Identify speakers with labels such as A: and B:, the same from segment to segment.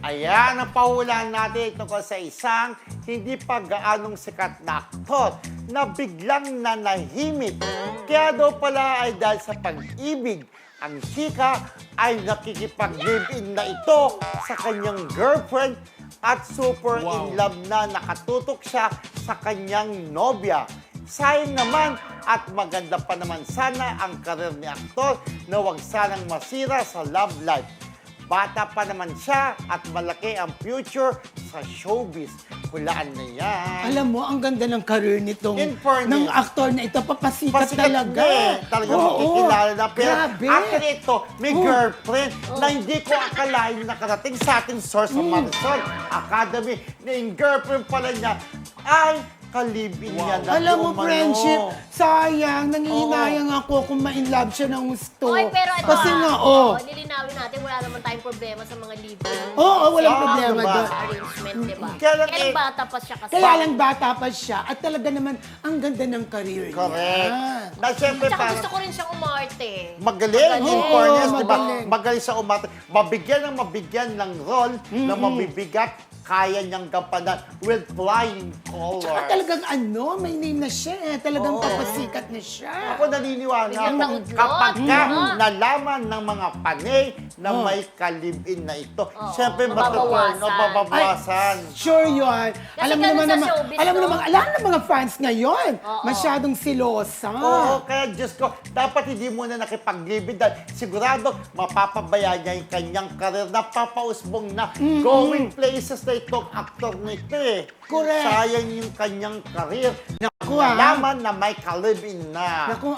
A: Ayan, ang pahulaan natin tungkol sa isang hindi pa gaanong sikat na aktor na biglang nanahimik. Kaya daw pala ay dahil sa pag-ibig, ang chika ay nakikipag-live-in na ito sa kanyang girlfriend at super in love na nakatutok siya sa kanyang nobya. Sayang naman at maganda pa naman sana ang karir ni aktor na wag sanang masira sa love life. Bata pa naman siya at malaki ang future sa showbiz. Hulaan na yan.
B: Alam mo, ang ganda ng career nitong
A: In fairness,
B: ng aktor na ito. Papasikat
A: Pasikat
B: talaga.
A: na eh. Talagang makikilala na. Pero
B: grabe.
A: after ito, may girlfriend na hindi ko akalain nakarating sa ating source sa Marisol Academy na yung girlfriend pala niya ay kalibin niya na
B: Alam mo,
A: umano.
B: friendship, sayang, nangihinayang ako kung ma-inlove siya ng gusto.
C: Oy, pero ito
B: Kasi nga, oh.
C: Lilinawin natin, wala naman tayong problema sa mga libo.
B: Oo, walang
A: Ah,
B: problema
A: diba?
B: doon.
C: Arrangement, di ba?
A: Kaya lang
C: Kaya
A: eh,
C: bata pa siya kasi.
B: Kaya lang bata pa siya at talaga naman ang ganda ng career niya.
A: Correct. Na siyempre
C: Tsaka
A: parang
C: gusto ko rin siyang umarte.
A: magaling, in
B: Oo,
A: fairness, di ba?
B: magaling.
A: Magaling sa umate. Mabigyan ng role na mabibigat, kaya niyang gampanan with flying colors.
B: Tsaka talagang may name na siya eh. Talagang papasikat na siya.
A: Ako naniniwala
C: Bigyan
A: ako
C: ng udlot.
A: kapag ka
C: Mm.
A: nalaman ng mga panay na may kalibin na ito, siyempre
C: mababawasan.
A: mababawasan.
B: Sure yun. Alam mo
C: ganun
B: naman
C: sa
B: naman,
C: showbiz,
B: alam mo
C: no?
B: naman, alam ng mga fans ngayon.
C: Oo.
B: Masyadong silosa.
A: Oo, kaya Diyos ko, dapat hindi muna nakipaglibid dahil sigurado mapapabayaan niya yung kanyang karir na papausbong na going places na itong aktor nito eh.
B: Correct.
A: Sayang yung kanyang karir.
B: Naku, ah.
A: Nalaman na may kalibin na.
B: Naku,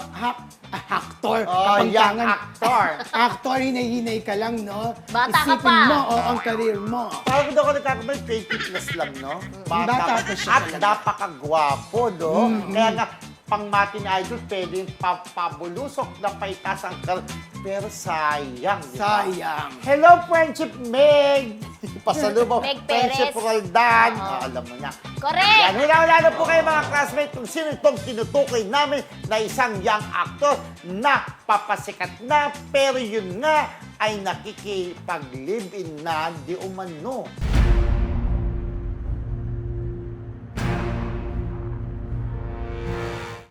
B: actor.
A: Oh, young
B: kapangpangan.
A: actor.
B: Actor, hinay-hinay ka lang, no?
C: Bata ka
B: Isipin
C: pa.
B: mo, ang career mo.
A: Parang daw ako nagkakamali, 20 plus lang, no?
B: Bata pa siya
A: At
B: talaga.
A: napakagwapo, no? Kaya nga, pang Matin Idol, pwedeng pabulusok na paitas ang pero sayang, di ba?
B: Sayang.
A: Hello, Friendship Meg! Pasalubong,
C: Meg
A: Friendship
C: Perez.
A: Roldan.
C: Oo.
A: Alam mo na.
C: Correct!
A: Yan, hula na po kayo mga classmates kung sino itong tinutukoy namin na isang young actor na papasikat na pero yun nga ay nakikipag-live-in na di umano.